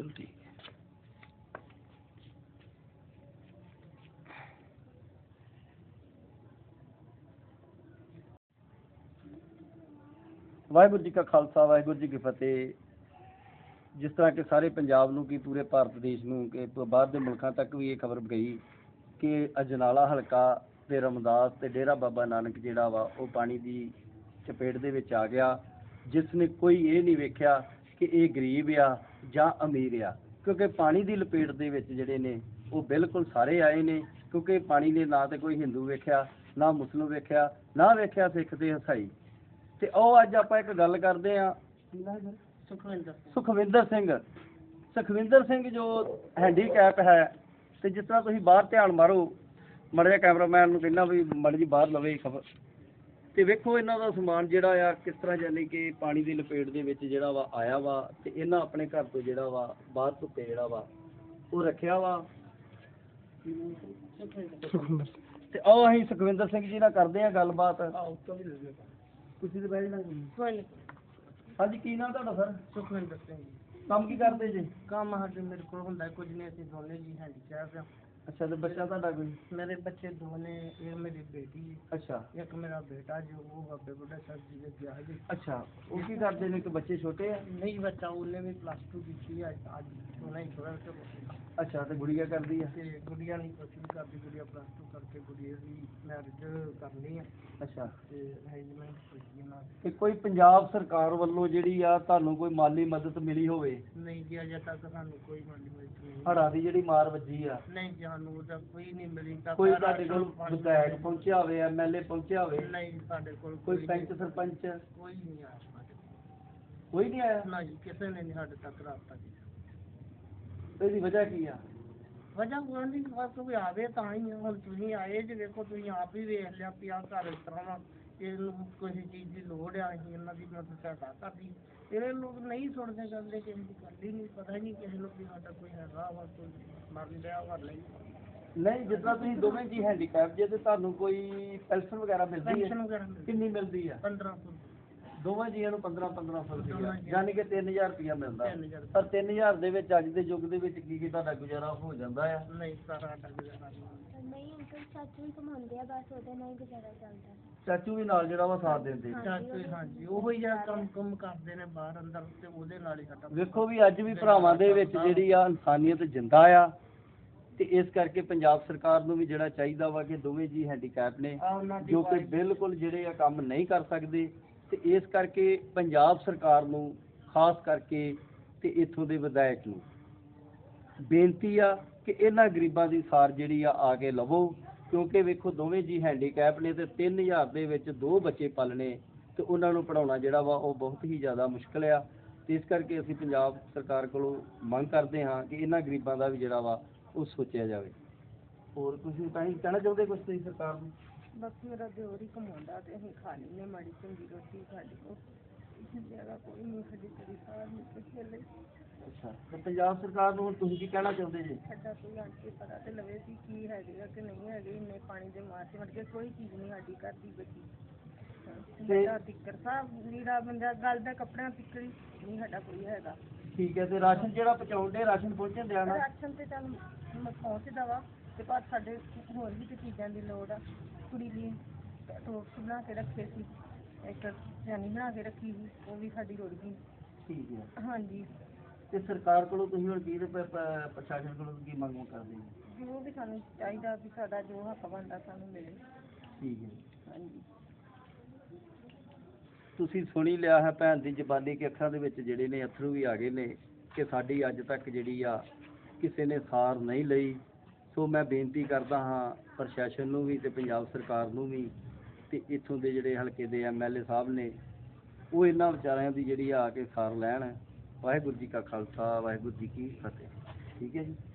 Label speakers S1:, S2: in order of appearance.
S1: ਵਾਹਿਗੁਰੂ ਜੀ ਕਾ ਖਾਲਸਾ, ਵਾਹਿਗੁਰੂ ਜੀ ਕੀ ਫਤਿਹ। ਜਿਸ ਤਰ੍ਹਾਂ ਕਿ ਸਾਰੇ ਪੰਜਾਬ ਨੂੰ ਕੀ ਪੂਰੇ ਭਾਰਤ ਦੇਸ਼ ਨੂੰ ਕਿ ਬਾਹਰ ਦੇ ਮੁਲਕਾਂ ਤੱਕ ਵੀ ਇਹ ਖਬਰ ਗਈ ਕਿ ਅਜਨਾਲਾ ਹਲਕਾ ਤੇ ਰਮਦਾਸ ਤੇ ਡੇਰਾ ਬਾਬਾ ਨਾਨਕ ਜਿਹੜਾ ਵਾ ਉਹ ਪਾਣੀ ਦੀ ਚਪੇਟ ਦੇ ਵਿੱਚ ਆ ਗਿਆ, ਜਿਸ ਨੇ ਕੋਈ ਇਹ ਨਹੀਂ ਵੇਖਿਆ ਕਿ ਇਹ ਗਰੀਬ ਆ ਜਾਂ ਅਮੀਰ ਆ, ਕਿਉਂਕਿ ਪਾਣੀ ਦੀ ਲਪੇਟ ਦੇ ਵਿੱਚ ਜਿਹੜੇ ਨੇ ਉਹ ਬਿਲਕੁਲ ਸਾਰੇ ਆਏ ਨੇ। ਕਿਉਂਕਿ ਪਾਣੀ ਨੇ ਨਾ ਤੇ ਕੋਈ ਹਿੰਦੂ ਵੇਖਿਆ, ਨਾ ਮੁਸਲਿਮ ਵੇਖਿਆ, ਨਾ ਵੇਖਿਆ ਸਿੱਖ ਤੇ ਈਸਾਈ। ਤੇ ਉਹ ਅੱਜ ਆਪਾਂ ਇੱਕ ਗੱਲ ਕਰਦੇ ਆ ਸੁਖਵਿੰਦਰ ਸਿੰਘ ਜੋ ਹੈਂਡੀਕੈਪ ਹੈ। ਤੇ ਜਿਸ ਤਰ੍ਹਾਂ ਤੁਸੀਂ ਬਾਹਰ ਧਿਆਨ ਮਾਰੋ, ਮਾੜਾ ਜਿਹਾ ਕੈਮਰਾਮੈਨ ਨੂੰ ਕਹਿੰਦਾ ਵੀ ਮਾੜੀ ਜੀ ਬਾਹਰ ਲਵੇ ਖਬਰ, ਤੇ ਵੇਖੋ ਇਹਨਾਂ ਦਾ ਸਮਾਨ ਜਿਹੜਾ ਆ ਕਿਸ ਤਰ੍ਹਾਂ ਯਾਨੀ ਕਿ ਪਾਣੀ ਦੀ ਲਪੇਟ ਦੇ ਵਿੱਚ ਜਿਹੜਾ ਵਾ ਆਇਆ ਵਾ। ਤੇ ਇਹਨਾਂ ਆਪਣੇ ਘਰ ਤੋਂ ਜਿਹੜਾ ਵਾ ਬਾਹਰ ਧੁੱਪੇ ਜਿਹੜਾ ਵਾ ਉਹ ਰੱਖਿਆ ਵਾ। ਤੇ ਆਓ ਅਸੀਂ ਸੁਖਵਿੰਦਰ ਸਿੰਘ ਜੀ ਨਾਲ ਕਰਦੇ ਆ ਗੱਲਬਾਤ। ਤੁਸੀਂ ਤੇ ਬੈਠ ਜਾਣਾ। ਹਾਂਜੀ, ਕੀ ਨਾਮ ਤੁਹਾਡਾ ਸਰ?
S2: ਸੁਖਵਿੰਦਰ ਸਿੰਘ।
S1: ਕੰਮ ਕੀ ਕਰਦੇ ਜੀ?
S2: ਕੰਮ ਸਾਡੇ ਮੇਰੇ ਕੋਲ ਹੁੰਦਾ ਕੁਝ ਨਹੀਂ, ਅਸੀਂ ਦੋਨੇ ਜੀ ਹੈਂਡੀਕੈਪ ਆ।
S1: ਅੱਛਾ, ਤੇ ਬੱਚਾ ਤੁਹਾਡਾ ਕੋਈ?
S2: ਮੇਰੇ ਬੱਚੇ ਦੋ ਨੇ, ਇਹ ਮੇਰੀ ਬੇਟੀ
S1: ਅੱਛਾ,
S2: ਇੱਕ ਮੇਰਾ ਬੇਟਾ ਜੋ ਉਹ ਬਾਬੇ ਬੁੱਢਾ ਸਾਹਿਬ ਜੀ ਦੇ ਗਿਆ ਜੀ।
S1: ਅੱਛਾ, ਉਹ ਕੀ ਕਰਦੇ ਨੇ? ਕਿ ਬੱਚੇ ਛੋਟੇ ਆ?
S2: ਨਹੀਂ, ਬੱਚਾ ਉਹਨੇ ਵੀ +2 ਕੀਤੀ ਆ ਅੱਜ ਉਹਨੇ ਹੀ ਥੋੜਾ
S1: ਅੱਛਾ, ਤੇ ਗੁੜੀਆ ਕਰਦੀ ਆ?
S2: ਤੇ ਗੁੜੀਆ ਨਹੀਂ ਕੁਛ ਵੀ ਕਰਦੀ, ਗੁੜੀਆ +2 ਕਰਕੇ ਗੁੜੀਆ ਦੀ ਮੈਰਿਜ ਕਰਨੀ ਆ।
S1: ਅੱਛਾ,
S2: ਤੇ ਅਰੇਂਜਮੈਂਟ ਕੀਤੀ ਨਾਲ।
S1: ਤੇ ਕੋਈ ਪੰਜਾਬ ਸਰਕਾਰ ਵੱਲੋਂ ਜਿਹੜੀ ਆ ਤੁਹਾਨੂੰ ਕੋਈ ਮਾਲੀ ਮਦਦ ਮਿਲੀ ਹੋਵੇ?
S2: ਨਹੀਂ ਜੀ, ਅਜੇ ਤੱਕ ਸਾਨੂੰ ਕੋਈ ਮਾਲੀ ਮਦਦ ਨਹੀਂ।
S1: ਹੜ੍ਹਾਂ ਦੀ ਜਿਹੜੀ ਮਾਰ ਵੱਜੀ ਆ?
S2: ਨਹੀਂ ਜੀ, ਸਾਨੂੰ ਉਹਦਾ ਕੋਈ ਨਹੀਂ ਮਿਲੀ।
S1: ਕੋਈ ਤੁਹਾਡੇ ਕੋਲ ਵਿਧਾਇਕ ਪਹੁੰਚਿਆ ਹੋਵੇ, MLA ਪਹੁੰਚਿਆ ਹੋਵੇ?
S2: ਨਹੀਂ, ਸਾਡੇ ਕੋਲ
S1: ਕੋਈ ਪੰਚ ਸਰਪੰਚ
S2: ਕੋਈ ਨਹੀਂ ਆਇਆ।
S1: ਕੋਈ ਨਹੀਂ ਆਇਆ?
S2: ਨਾ ਜੀ, ਕਿਸੇ ਨੇ ਨਹੀਂ ਸਾਡੇ ਤੱਕ ਰਾਬਤਾ ਕੀਤਾ।
S1: ਇਹਦੀ ਵਜ੍ਹਾ ਕੀ ਆ?
S2: ਵਜ੍ਹਾ ਕੋਈ ਬਸ ਕੋਈ ਆਵੇ ਤਾਂ ਹੀ। ਹੁਣ ਤੁਸੀਂ ਆਏ ਜੇ, ਵੇਖੋ ਤੁਸੀਂ ਆਪ ਹੀ ਵੇਖ ਲਿਆ ਵੀ ਆਹ ਘਰ ਇਸ ਤਰ੍ਹਾਂ ਵਾ, ਇਹਨੂੰ ਕਿਸੇ ਚੀਜ਼ ਦੀ ਲੋੜ ਆ, ਅਸੀਂ ਇਹਨਾਂ ਦੀ ਮਦਦ ਸਹਾਇਤਾ ਕਰਦੀ। ਇਹ ਲੋਕ ਨਹੀਂ ਸੁਣਦੇ ਕਰਦੇ, ਕਿਸੇ ਦੀ ਗੱਲ ਹੀ ਨਹੀਂ, ਪਤਾ ਹੀ ਨਹੀਂ ਕਿਸੇ ਨੂੰ ਵੀ ਸਾਡਾ ਕੋਈ ਹੈਗਾ ਵਾ, ਕੋਈ ਮਰ ਰਿਹਾ ਵਾ ਨਹੀਂ।
S1: ਨਹੀਂ, ਜਿਸ ਤਰ੍ਹਾਂ ਤੁਸੀਂ ਦੋਵੇਂ ਜੀ ਹੈਂਡੀਕੈਪ ਜੇ, ਤੇ ਤੁਹਾਨੂੰ ਕੋਈ ਪੈਨਸ਼ਨ ਵਗੈਰਾ ਮਿਲਦੀ ਹੈ?
S2: ਪੈਨਸ਼ਨ ਵਗੈਰਾ
S1: ਕਿੰਨੀ ਮਿਲਦੀ ਆ?
S2: 1500।
S1: ਦੋਵਾਂ ਜੀਆਂ ਨੂੰ 1500 ਰੁਪਇਆ, ਯਾਨੀ ਕਿ 3000 ਰੁਪਇਆ ਮਿਲਦਾ।
S2: 3000।
S1: ਪਰ 3000 ਦੇ ਵਿੱਚ ਅੱਜ ਦੇ ਯੁੱਗ ਦੇ ਵਿੱਚ ਕੀ ਤੁਹਾਡਾ ਗੁਜ਼ਾਰਾ ਹੋ ਜਾਂਦਾ ਆ?
S2: ਨਹੀਂ, ਸਾਡਾ ਗੁਜ਼ਾਰਾ
S3: ਨਹੀਂ ਅੰਕਲ, ਚਾਚੂ ਵੀ ਕਮਾਉਂਦੇ ਆ, ਬਸ ਉਹਦੇ ਨਾਲ ਹੀ ਗੁਜ਼ਾਰਾ ਚੱਲਦਾ।
S1: ਚਾਚੂ ਵੀ ਨਾਲ ਜਿਹੜਾ ਵਾ ਸਾਥ ਦਿੰਦੇ?
S2: ਚਾਚੂ ਹਾਂਜੀ, ਉਹੋ ਹੀ ਜਿਹੜਾ ਕੰਮ ਕਰਦੇ ਨੇ ਬਾਹਰ ਅੰਦਰ, ਤੇ ਉਹਦੇ ਨਾਲ ਹੀ ਸਾਡਾ।
S1: ਵੇਖੋ ਵੀ ਅੱਜ ਵੀ ਭਰਾਵਾਂ ਦੇ ਵਿੱਚ ਜਿਹੜੀ ਆ ਇਨਸਾਨੀਅਤ ਜਿੰਦਾ ਆ। ਤੇ ਇਸ ਕਰਕੇ ਪੰਜਾਬ ਸਰਕਾਰ ਨੂੰ ਵੀ ਜਿਹੜਾ ਚਾਹੀਦਾ ਵਾ ਕਿ ਦੋਵੇਂ ਜੀ ਹੈਂਡੀਕੈਪ ਨੇ ਜੋ ਕਿ ਬਿਲਕੁਲ ਜਿਹੜੇ ਆ ਕੰਮ ਨਹੀਂ ਕਰ ਸਕਦੇ, ਤੇ ਇਸ ਕਰਕੇ ਪੰਜਾਬ ਸਰਕਾਰ ਨੂੰ ਖਾਸ ਕਰਕੇ ਤੇ ਇੱਥੋਂ ਦੇ ਵਿਧਾਇਕ ਨੂੰ ਬੇਨਤੀ ਆ ਕਿ ਇਹਨਾਂ ਗਰੀਬਾਂ ਦੀ ਸਾਰ ਜਿਹੜੀ ਆ ਕੇ ਲਵੋ। ਕਿਉਂਕਿ ਵੇਖੋ ਦੋਵੇਂ ਜੀ ਹੈਂਡੀਕੈਪ ਨੇ ਤੇ 3000 ਦੇ ਵਿੱਚ 2 ਬੱਚੇ ਪਾਲਣੇ ਤੇ ਉਹਨਾਂ ਨੂੰ ਪੜ੍ਹਾਉਣਾ ਜਿਹੜਾ ਵਾ ਉਹ ਬਹੁਤ ਹੀ ਜ਼ਿਆਦਾ ਮੁਸ਼ਕਲ ਆ। ਤੇ ਇਸ ਕਰਕੇ ਅਸੀਂ ਪੰਜਾਬ ਸਰਕਾਰ ਕੋਲੋਂ ਮੰਗ ਕਰਦੇ ਹਾਂ ਕਿ ਇਹਨਾਂ ਗਰੀਬਾਂ ਦਾ ਵੀ ਜਿਹੜਾ ਵਾ ਉਹ ਸੋਚਿਆ ਜਾਵੇ। ਹੋਰ ਤੁਸੀਂ ਤਾਂ ਹੀ ਕਹਿਣਾ ਚਾਹੁੰਦੇ ਕੁਛ ਤੁਸੀਂ ਸਰਕਾਰ ਨੂੰ?
S2: ਬਸ ਮੇਰਾ ਦਿਓਰ ਹੀ ਕਮਾਉਂਦਾ ਤੇ ਅਸੀਂ ਖਾ ਲੈਂਦੇ ਮਾੜੀ ਚੰਗੀ ਰੋਟੀ ਸਾਡੇ ਕੋਲ, ਜ਼ਿਆਦਾ ਕੋਈ ਨਹੀਂ ਸਾਡੀ ਕੋਈ ਸਾਰ ਨਹੀਂ ਕਿਸੇ ਲਈ।
S1: ਅੱਛਾ, ਤੇ ਪੰਜਾਬ ਸਰਕਾਰ ਨੂੰ ਹੁਣ ਤੁਸੀਂ ਕੀ ਕਹਿਣਾ ਚਾਹੁੰਦੇ ਜੀ?
S2: ਸਾਡਾ ਕੋਈ ਆਣ ਕੇ ਪਤਾ ਤੇ ਲਵੇ ਵੀ ਕੀ ਹੈਗੇ ਆ ਕਿ ਨਹੀਂ ਹੈਗੇ। ਇੰਨੇ ਪਾਣੀ ਦੇ ਮਾਰ ਚ ਵੜ ਕੇ ਕੋਈ ਚੀਜ਼ ਨਹੀਂ ਸਾਡੀ ਘਰ ਦੀ ਬਚੀ। ਮੇਰਾ ਟਿੱਕਰ ਸਾਹਿਬ ਨੀਰਾ ਬੰਦਾ ਗੱਲ ਦਾ ਕੱਪੜਿਆਂ ਟਿੱਕਰੀ ਨਹੀਂ ਸਾਡਾ ਕੋਈ ਹੈਗਾ। ਠੀਕ ਹੈ, ਤੇ ਰਾਸ਼ਨ ਜਿਹੜਾ ਪਹੁੰਚਾਉਂਦੇ, ਰਾਸ਼ਨ ਪਹੁੰਚਣ ਦਿਆ ਨਾ? ਰਾਸ਼ਨ ਤੇ ਚੱਲ ਪਹੁੰਚਦਾ ਵਾ, ਤੇ ਪਰ ਸਾਡੇ ਹੋਰ ਵੀ ਤੇ ਚੀਜ਼ਾਂ ਦੀ ਲੋੜ ਆ। ਕੁੜੀ ਲਈ ਟੋਸਟ ਬਣਾ ਕੇ ਰੱਖੇ ਸੀ, ਇੱਕ ਚੈਨੀ ਬਣਾ ਕੇ ਰੱਖੀ ਸੀ, ਉਹ ਵੀ ਸਾਡੀ ਰੁੜ ਗਈ। ਠੀਕ ਹੈ, ਹਾਂਜੀ। ਤੇ ਸਰਕਾਰ ਕੋਲੋਂ ਤੁਸੀਂ ਹੁਣ ਕੀ ਪ੍ਰਸ਼ਾਸਨ ਕੋਲੋਂ ਕੀ ਮੰਗ ਕਰਦੇ ਹੋ? ਜੋ ਵੀ ਸਾਨੂੰ ਚਾਹੀਦਾ ਵੀ ਸਾਡਾ ਜੋ ਹੱਕ ਬਣਦਾ ਸਾਨੂੰ ਮਿਲੇ। ਠੀਕ ਹੈ, ਹਾਂਜੀ।
S1: ਤੁਸੀਂ ਸੁਣੀ ਲਿਆ ਹੈ ਭੈਣ ਦੀ ਜ਼ਬਾਨੀ ਕਿ ਅੱਖਾਂ ਦੇ ਵਿੱਚ ਜਿਹੜੇ ਨੇ ਅਥਰੂ ਵੀ ਆ ਗਏ ਨੇ ਕਿ ਸਾਡੀ ਅੱਜ ਤੱਕ ਜਿਹੜੀ ਆ ਕਿਸੇ ਨੇ ਸਾਰ ਨਹੀਂ ਲਈ। ਸੋ ਮੈਂ ਬੇਨਤੀ ਕਰਦਾ ਹਾਂ ਪ੍ਰਸ਼ਾਸਨ ਨੂੰ ਵੀ ਤੇ ਪੰਜਾਬ ਸਰਕਾਰ ਨੂੰ ਵੀ, ਤੇ ਇੱਥੋਂ ਦੇ ਜਿਹੜੇ ਹਲਕੇ ਦੇ MLA ਸਾਹਿਬ ਨੇ ਉਹ ਇਹਨਾਂ ਵਿਚਾਰਿਆਂ ਦੀ ਜਿਹੜੀ ਆ ਕੇ ਸਾਰ ਲੈਣ। ਵਾਹਿਗੁਰੂ ਜੀ ਕਾ ਖਾਲਸਾ, ਵਾਹਿਗੁਰੂ ਜੀ ਕੀ ਫਤਿਹ। ਠੀਕ ਹੈ ਜੀ।